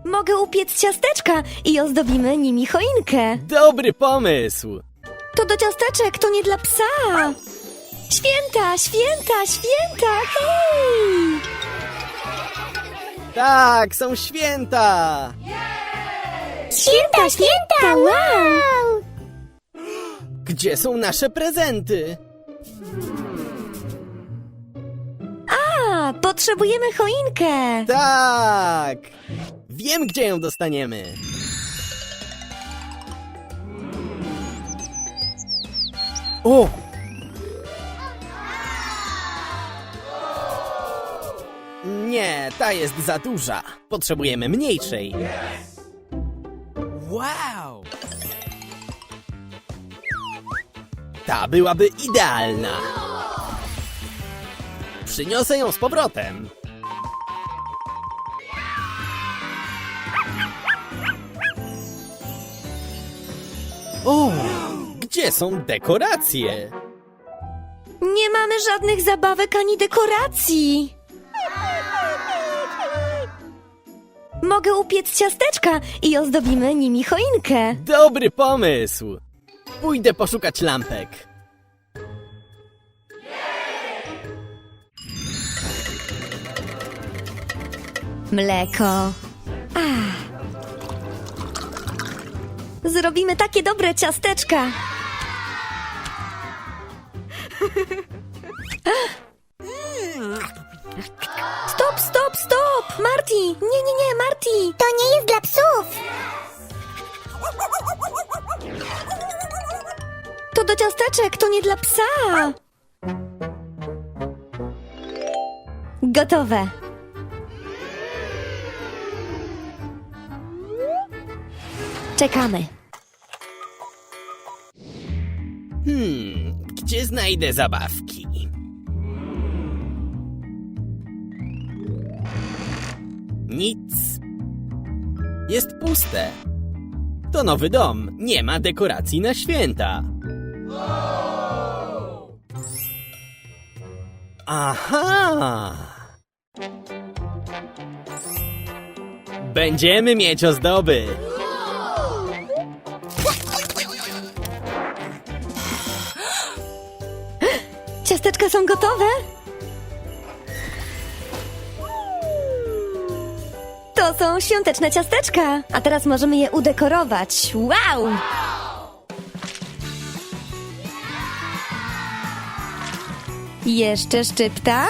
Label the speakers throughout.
Speaker 1: Mogę upiec ciasteczka i ozdobimy nimi choinkę.
Speaker 2: Dobry pomysł!
Speaker 1: To do ciasteczek, to nie dla psa. Święta, święta, święta, hej!
Speaker 2: Tak, są święta!
Speaker 1: Święta, święta, wow!
Speaker 2: Gdzie są nasze prezenty?
Speaker 1: A, potrzebujemy choinkę.
Speaker 2: Tak! Wiem, gdzie ją dostaniemy. O! Nie, ta jest za duża. Potrzebujemy mniejszej. Wow! Ta byłaby idealna. Przyniosę ją z powrotem. O! Gdzie są dekoracje?
Speaker 1: Nie mamy żadnych zabawek ani dekoracji. Mogę upiec ciasteczka i ozdobimy nimi choinkę.
Speaker 2: Dobry pomysł! Pójdę poszukać lampek.
Speaker 1: Mleko. Zrobimy takie dobre ciasteczka. Stop, stop, stop! Marty! Nie, Marty!
Speaker 3: To nie jest dla psów!
Speaker 1: To do ciasteczek, to nie dla psa. Gotowe. Czekamy.
Speaker 2: Gdzie znajdę zabawki? Nic. Jest puste. To nowy dom. Nie ma dekoracji na święta. Aha! Będziemy mieć ozdoby.
Speaker 1: Ciasteczka są gotowe? To są świąteczne ciasteczka, a teraz możemy je udekorować. Wow! Jeszcze szczypta.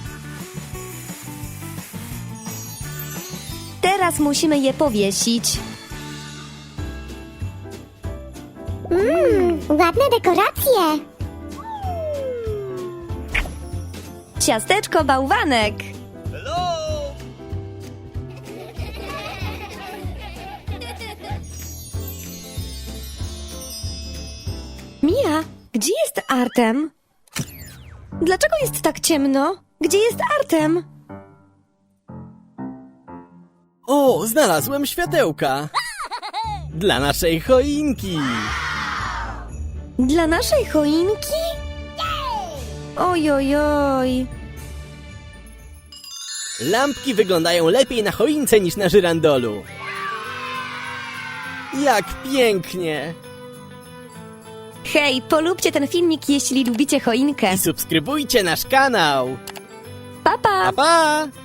Speaker 1: Teraz musimy je powiesić.
Speaker 3: Ładne dekoracje!
Speaker 1: Ciasteczko bałwanek. Mia, gdzie jest Artem? Dlaczego jest tak ciemno? Gdzie jest Artem?
Speaker 2: O, znalazłem światełka. Dla naszej choinki.
Speaker 1: Dla naszej choinki? Oj, oj, oj.
Speaker 2: Lampki wyglądają lepiej na choince niż na żyrandolu. Jak pięknie!
Speaker 1: Hej, polubcie ten filmik, jeśli lubicie choinkę.
Speaker 2: I subskrybujcie nasz kanał.
Speaker 1: Pa, pa!
Speaker 2: Pa, pa!